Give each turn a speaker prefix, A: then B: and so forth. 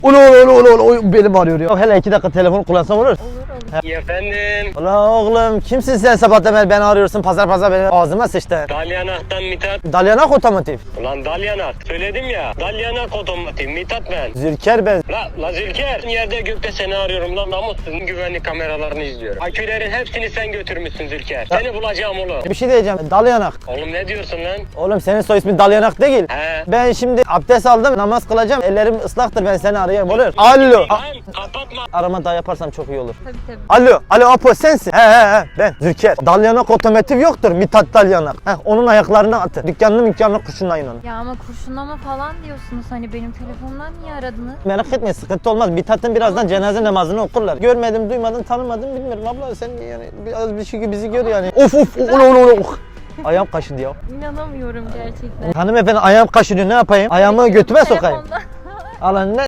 A: Ulu benim arıyor ya. Hele 2 dakika telefonu kullansam olur.
B: Olur olur.
C: Efendim,
A: Ulan oğlum kimsin sen sabahtan beri beni arıyorsun pazar benim ağzıma sıçtı.
C: Dalyanak'tan Mithat.
A: Dalyanak otomotiv.
C: Ulan Dalyanak, söyledim ya. Dalyanak otomotiv, Mithat ben.
A: Zülker ben.
C: La Zülker, yerde gökte seni arıyorum lan, namussuzun güvenlik kameralarını izliyorum. Akülerin hepsini sen götürmüşsün Zülker. Seni bulacağım oğlum.
A: Bir şey diyeceğim. Dalyanak.
C: Oğlum ne diyorsun lan?
A: Oğlum senin soy ismin Dalyanak değil.
C: He.
A: Ben şimdi abdest aldım, namaz kılacağım. Ellerim ıslaktır, ben seni arayayım olur. Alo.
C: Lan kapatma.
A: Arama daha yaparsam çok iyi olur.
B: Tabii tabii.
A: Alo Apo sensin. He ben Zülker. Dalyanak otomotiv yoktur. Mithat Dalyanak. Onun ayaklarına atın. Dükkanını kurşunlayın onu.
B: Ya ama kurşunlama falan diyorsunuz, hani benim telefonumdan niye aradınız?
A: Merak etme, sıkıntı olmaz. Mithat'ın birazdan cenaze namazını okurlar. Görmedim, duymadım, tanımadım, bilmiyorum. Abla sen yani biraz bir şey bizi gör yani. Of. Ayağım kaşıdı ya.
B: İnanamıyorum gerçekten.
A: Hanımefendi ayağım kaşınıyor, ne yapayım? Ayağımı götüme sokayım.
B: Telefonda.
A: Alan ne?